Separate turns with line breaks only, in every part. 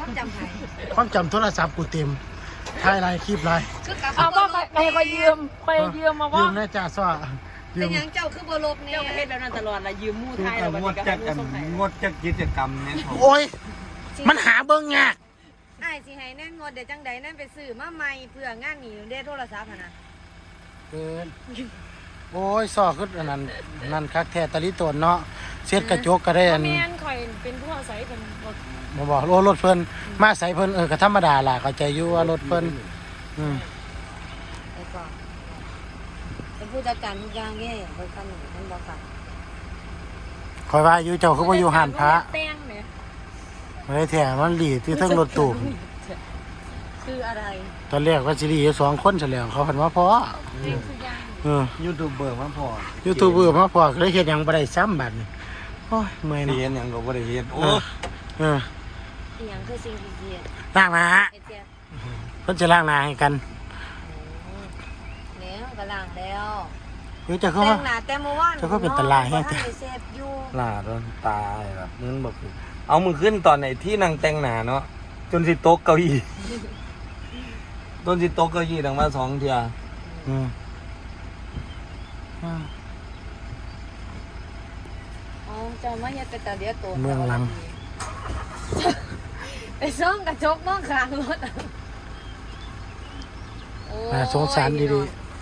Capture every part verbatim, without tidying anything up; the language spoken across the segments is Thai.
จำใคร
ความจำโทรศัพท์กูเต็มถ่ายไลน์คลิปไลน์
เอา
เอาก็ไปไปยืมไปยืมมา
ยื
ว่าม
แน่จ้าซ้อยื
เป็น
ม
ยังเจ้าคือบลบเนี่ย
เจ้าประเทศแล้วนั่นตลอดละยืมมู่
คือ
ไทย
กั
แล้
บ
ว
งดจักกันงดจักกิจกรรมเนี่ยของ
โอ้ยมันหาเบิ่งยาก
ไอ้สิให้แน่งดเดี๋ยวจังใดนั่นไปซื้อมาใหม่เพื่องานหนีเด้โทรศัพท์นะ
เกินโอ้ยซ้อคืออันนั้นนั่นคักแท้ตะลิตนเนาะเสียดกระจกก็ได้อัน
แม่นข่อยเป็นผู้อาศัยเป็นรถ
มาบอกรถรถเพิ่นมาใส่เพิ่นเออก็ธรรมดาล่ะเข้าใจอยู่ว่ารถเพิ่นอืม
ไอ้ก่อนเป็นผู้จัดการทุกอย่างเนี่ยบริษัทหนึ่งท่านบอกค่ะ
คอยว่าอยู่เจ้าคือบ่อยู่หันพระ
แต้งแหม
บ่ได้แท้มันหลีที่เทิงรถตู้
คืออะไร
ตอนแรกว่าสิหลีอยู่สองคนซะแล้วเขาเพิ่นว่าพอ
แต้งคือย่าง
เออ
ยูทูบเบอร์มาพอ
ยูทูบเบอร์มาพอก็เลยเฮ็ดหยังบ่ได้ซ้ำบัดนี้โอ้ยเมื่อย
เรี
เนาะ
ยนอย่างก็บ่ได้เฮ็ด
เอ
โอ้
อเออ
อีหยังคือสิ่งที่เกียด
ล้างหน้า
ไอ้เจี๊ยบ
เพิ่นจะล้างหน้าให้กัน
เนี่ยกำลังแล้ว
เดี๋ยวจะเข้า
แต่
มา
งหน้าแต่เมื่อวาน
เจ้าก็เป็นตาลายแฮะ
ท่านไปเซฟอยู่
หน้าโดนตายแบบมึงบอกเอามึงขึ้นตอนไหนที่นางแต่งหน้าเนาะจนสิโต๊ะเก้าอี้จนสิโต๊ะเก้าอี้ดังมาสองเที่ย
อืมอ่า
อ๋อเจ้ามาเฮ็ดเป็นตาเดียวโต
เมืองหลัง
ไปซ่องกระจกมองข้างรถโอ้ย
น่าสงสารดี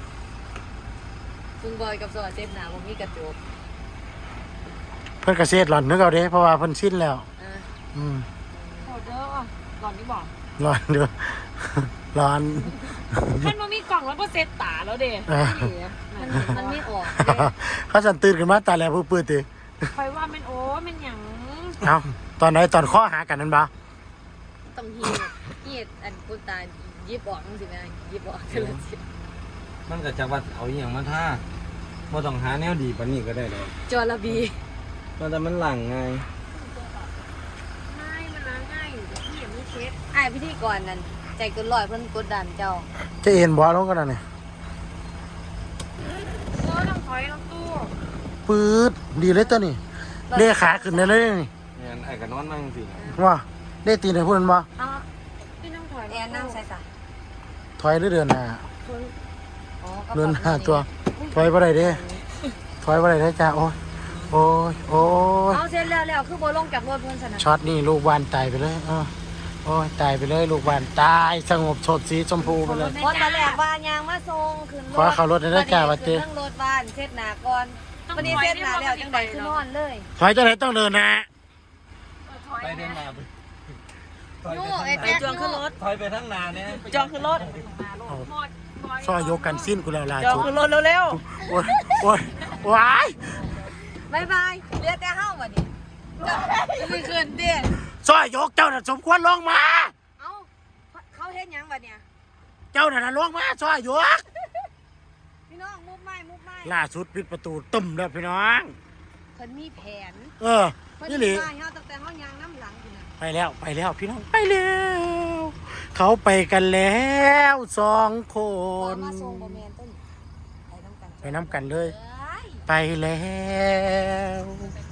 คุณบอยกับสวัสดิ์เจ็บหนาผมมีกระจก
ๆเพิ่นก็เฮ็ดหล่อนนึกเอาเด้เพราะว่าเพิ่นชินแล้ว
อ่ะ
อืม
โหดเด้อหลอนนี่บอก
ร้อนเด้อ ร้อน
ท่านมามีกล่องแล้วก็เซตตาแล้วเด้
อ่า
มันมันไม่ออกเด้
เขาสั่นตื่นขึ้นมาตาแลผู้ปื้ดติ
คอยว่าเป็นโอ้เป็นหยัง
เอ้าตอนไหนตอนข้อหากันนั่นบ่
ต้องเฮียดเฮียดอันกุตายิบออกจังสิแม่ยิบออกทีละสิ
มันก็จะว่าเอาอหย่างมาท่าบ่ต้องหาแนวดีปานนี้ก็ได้เลย
จอระบี
มันแต่มันหลังไง
ไม่มันล้างง่ายอยู่แต่พี่ยังไม่เช็ดไอ้พิธีกรนั่นใจเกินร้อยเพิ่นกดดันเจ้า
จะเอ็นบ่ลงกันนั่นนี่
โอ้ต้องถอยต้องตู้
ปื๊ดดีเลยตัวนี้เลขาขึ้นได้เลยนี่
เนี่ยไอ้ก็นอนนั่งสิ
ว่าได้ตีนให้พูดมันบ่
เอา
พี่น้องถอย
แอนนั่งใส่สะ
ถอยหรือเดินหน้า
อ๋อก็
เดินหน้าตัวถอยบ่ได้เด้ถอยบ่ได้เด้อจ้าโอ้ยโอ้ยโอ้ย
เอาเสร็จแล้วแล้วคือบ่ลงจากรถเพิ่นซะนะ
ช็อตนี่ลูกวานตายไปเลยเออโอ้ยตายไปเลยลูกวานตายสงบสดสีชมพูไปเลย
คนตอนแรกว่ายางมาส่งขึ้นรถ
ขอเข้ารถได้เด้อจ้าว่าติ
ขึ้นทั้งรถบ้านเช็ดหน้าก่อนวันนี้เช็ดหน้าแล้วจังได๋คือนอนเลย
ถอยจังไหนต้องเดินหนะ
ไปเดินมาไปถอย
นู่
ไป
ไอ้
ทางห
แจ๊
น้า
คขึ้นรถ
ถอยไปทั้งนาเนี่ย
จองขึ้นรถ
ซอยยกกันสิ้นกูแล้วล่ะ
จอง
จุด
ขึ้นรถเร็ว
โอ้ยโอ้ยว้าย
บ๊ายบายเหลือแต่เฮาบัดนี้เจ้าไม่ขึ้นเด้
ซอยยกเจ้าน่ะสมควรลงมา
เอ้าเขาเฮ็ดหยังบัดเนี่ย
เจ้าน่ะลงมาซอยยก
พี่น้องมุบไม้มุบไม้
ล่าสุดปิดประตูตึมแล้วพี่น้อง
เพิ่นมีแผน
เออ
เพิ่น
นี่
มี
หลี
บ้านเฮาตั้งแต่เฮายางน้ำหลังพุ่นน่ะ
ไปแล้วไปแล้วพี่น้องไปแล้วเขาไปกันแล้วสองค
บ่
น
มาส่งบ่แม่นต้นไปนำกัน
ไปน้ำกันเลย
เอ้ย
ไปแล้ว
ไป